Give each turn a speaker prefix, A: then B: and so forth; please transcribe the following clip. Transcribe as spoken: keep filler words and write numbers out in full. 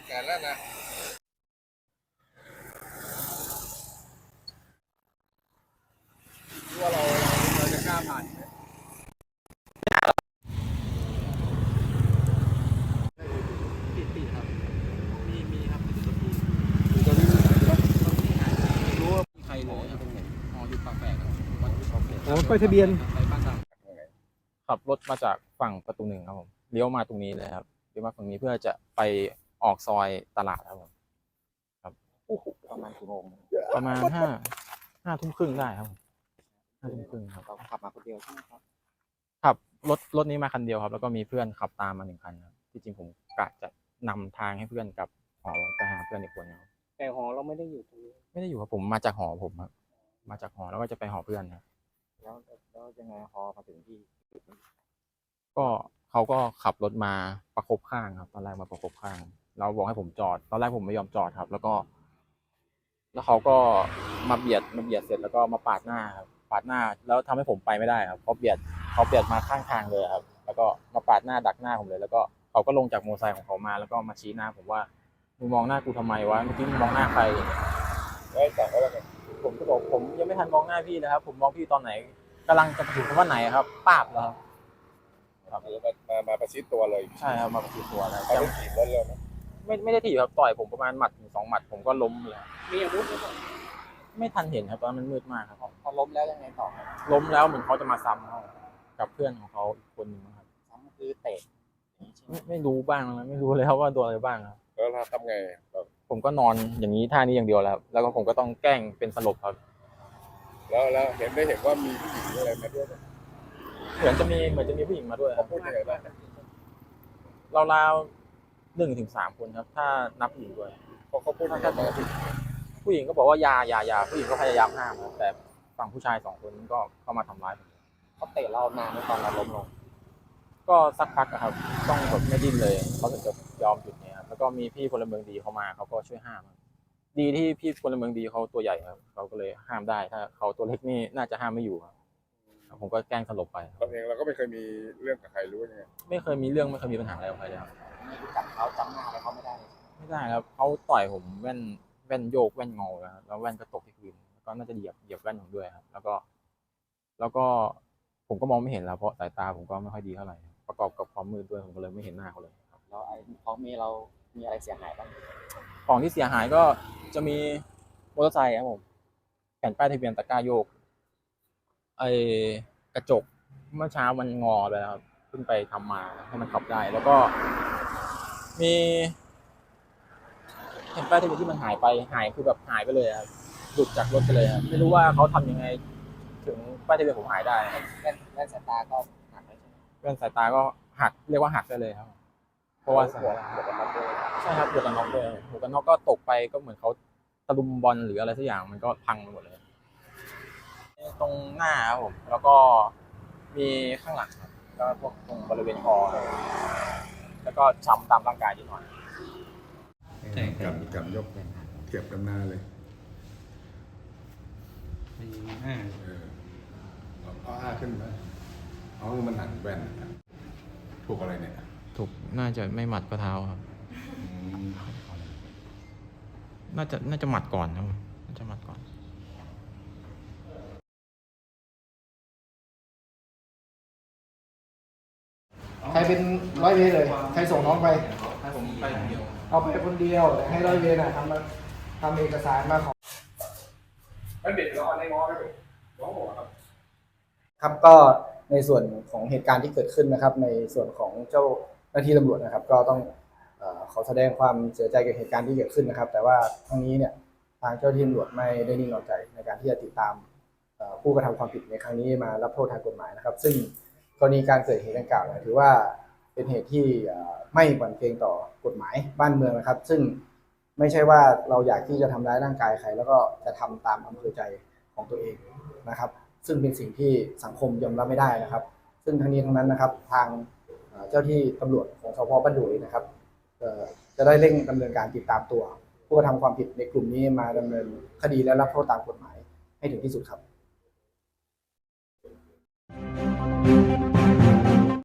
A: แสนแล้วนะว่าเราเราจะกล้าผ่านไหมติดติดครับมีมีครับติดตัวที่คือตอนนี้ไม่รู้ว่ามีใครเลยครับอ๋ออยู่ปากแปลกครับวัดที่เขาเปลี่ยน
B: อ๋อป้ายทะเบียน
A: ไปบ้านตาม
C: ขับรถมาจากฝั่งประตูหนึ่งครับผมเลี้ยวมาตรงนี้เลยครับเลี้ยวมาฝั่งนี้เพื่อจะไปออกซอยตลาดครับผมครับ
B: ประมาณกี่โมง
C: ประมาณห้าห้าทุ่มครึ่งได้ครับผมห้าทุ่มครึ่งครับ
B: เราขับมาคนเดียวใช่ไหมครับ
C: ขับรถรถนี้มาคันเดียวครับแล้วก็มีเพื่อนขับตามมาหนึ่งคันครับที่จริงผมกะจะนำทางให้เพื่อนกับหอไปหาเพื่อนอีกคนครับ
B: แต่หอเราไม่ได้อยู่ตรงนี้
C: ไม่ได้อยู่ครับผมมาจากหอผมครับมาจากหอแล้วก็จะไปหอเพื่อนครับ
B: แล้วแล้วยังไงหอมาถึงที่
C: ก็เขาก็ขับรถมาประกบข้างครับตอนแรกมาประกบข้างเราบอกให้ผมจอดตอนแรกผมไม่ยอมจอดครับแล้วก็แล้วเขาก็มาเบียดมาเบียดเสร็จแล้วก็มาปาดหน้าครับปาดหน้าแล้วทำให้ผมไปไม่ได้ครับเขาเบียดเขาเบียดมาข้างทางเลยครับแล้วก็มาปาดหน้าดักหน้าผมเลยแล้วก็เขาก็ลงจากมอเตอร์ไซค์ของเขามาแล้วก็มาชี้หน้าผมว่ามึงมองหน้ากูทำไมวะเมื่อกี้มึงมองหน้าใคร
A: ได้แต่ก็แล้วกัน
C: ผมก็บอกผมยังไม่ทันมองหน้าพี่นะครับผมมองพี่ตอนไหนกำลังจะถึงคำว่าไหนครับป้าบแล้วครับ
A: ครับมามามาประชิดตัวเลย
C: ใช่ครับมาประชิดตัวแล้ว
A: เขาได้ถีบรถเร็วไหม
C: ไม่ไม่ได้ถีบครับต่อยผมประมาณหมัดถึงสองหมัดผมก็ล้มเลย
B: มีอาวุธไหมครับ
C: ไม่ทันเห็นครับตอนนั้นมันมืดมากครับ
B: พอล้มแล้วยังไงต่อ
C: ล้มแล้วเหมือนเขาจะมาซ้ำเขากับเพื่อนของเขาอีกคนหนึ่งครับ
B: ซ้ำคือเตะ
C: ไม่ไม่รู้บ้างนะไม่รู้เลยครับว่าโดนอะไรบ้างครับ
A: แล้วเราทำไง
C: ผมก็นอนอย่างนี้ท่านี้อย่างเดียวแล้วแล้วก็ผมก็ต้องแกล้งเป็นสลบครับ
A: แล้วแล้วเห็นได้เห็นว่ามีผู้หญิงอะไรมาด้วย
C: เหมือนจะมีเหมือนจะมีผู้หญิงมาด้วยครับ
A: พูดยังไงบ้าง
C: ราวๆหนึ่งถึงสามคนครับถ้านับผู้หญิงด้วย
A: เขาเขาพูดยังไงบ้าง
C: ผู้หญิงก็บอกว่าอย่าอย่าอย่าผู้หญิงก็พยายามห้ามครับแต่ฝั่งผู้ชายสองคนก็เข้ามาทำร้ายผม
B: เขาเตะเรานานในตอนเราล้มลง
C: ก็สักพักครับต้องแบบไม่ดิ้นเลยเขาถึงจะยอมหยุดเนี่ยครับแล้วก็มีพี่พลเมืองดีเขามาเขาก็ช่วยห้ามดีที่พี่พลเมืองดีเขาตัวใหญ่ครับเขาก็เลยห้ามได้ถ้าเขาตัวเล็กนี่น่าจะห้ามไม่อยู่ครับผมก็แกล้งสลบไป
A: เราเองเราก็ไม่เคยมีเรื่องกับใครรู้ยังไง
C: ไม่เคยมีเรื่องไม่เคยมีปัญหาอะไรกับใครเลยครับ
B: ไม่รู้จักเขาจำหน้าอะไรเขาไม่ได้
C: ไม่ได้ครับเขาต่อยผมแว่นแว่นโยกแว่นงอแล้วแว่นก็ตกที่พื้นก็น่าจะเหยียบเหยียบแว่นผมด้วยครับแล้วก็แล้วก็ผมก็มองไม่เห็นแล้วเพราะสายตาผมก็ไม่ค่อยดีเท่าไหร่ประกอบกับความมืดด้วยผมก็เลยไม่เห็นหน้าเขาเลยครับ
B: แล้วไอ้ของมีเรามีอะไรเสียหายบ้าง
C: ของที่เสียหายก็จะมีมอเตอร์ไซค์ครับผมแผ่นป้ายทะเบียนตะกร้าโยกไอ้กระจกเมื่อเช้ามันงอไปแล้วครับเพิ่งไปทำมาให้มันขับได้แล้วก็มีแผ่นป้ายทะเบียนที่มันหายไปหายคือแบบหายไปเลยครับหลุดจากรถไปเลยครับไม่รู้ว่าเขาทำยังไงถึงป้ายทะเบียนผมหายได้
B: แว่นแว่นสายตาก็หักเลยใช่ไหม
C: แว่นสายตาก็หักเรียกว่าหักได้เลยครับเพราะว่า
B: หัวหัวกันน็อกด้วย
C: ใช่ครับหัวกันน็อกด้วยหัวกันน็อกก็ตกไปก็เหมือนเขาตะลุมบอลหรืออะไรสักอย่างมันก็พังไปหมดเลยตรงหน้าครับผมแล้วก็มีข้างหลังครับก็พวกตรงบริเวณคอแล้วก็ช้ำตามร่างกายนิดหน่อย
A: กับกับยกเทียบกันหน้าเลย
B: อ่า
A: เออเอาอ้าขึ้นไหมเอามันหันแว่นถูกอะไรเนี่ย
C: ถูกน่าจะไม่หมัดก็เท้าครับน่าจะน่าจะหมัดก่อนครับน่าจะหมัดก่อน
D: ใครเป็นร้อยเวรเลยใครส่งน้องไป
C: ให้ผมไปคนเดียว
D: เอาไปคนเดียวแต่ให้ร้อยเวรน่ะทำมาทำเอกสารมาขอ
A: ไม่เด็ดแล้วในง้อไม่เด็ดน้องบอกครับ
D: ครับก็ในส่วนของเหตุการณ์ที่เกิดขึ้นนะครับในส่วนของเจ้าหน้าที่ตำรวจนะครับก็ต้องขอแสดงความเสียใจกับเหตุการณ์ที่เกิดขึ้นนะครับแต่ว่าทั้งนี้เนี่ยทางเจ้าหน้าที่ตำรวจไม่ได้นิ่งนอนใจในการที่จะติดตามผู้กระทำความผิดในครั้งนี้มารับโทษทางกฎหมายนะครับซึ่งกรณีการเกิดเหตุดังกล่าวถือว่าเป็นเหตุที่ไม่หวั่นเกรงต่อกฎหมายบ้านเมืองนะครับซึ่งไม่ใช่ว่าเราอยากที่จะทำร้ายร่างกายใครแล้วก็จะทำตามอำเภอใจของตัวเองนะครับซึ่งเป็นสิ่งที่สังคมยอมรับไม่ได้นะครับซึ่งทั้งนี้ทั้งนั้นนะครับทางเจ้าที่ตำรวจของสพบ้านดุยนะครับจะได้เร่งดำเนินการติดตามตัวผู้กระทำความผิดในกลุ่มนี้มาดำเนินคดีและรับโทษตามกฎหมายให้ถึงที่สุดครับ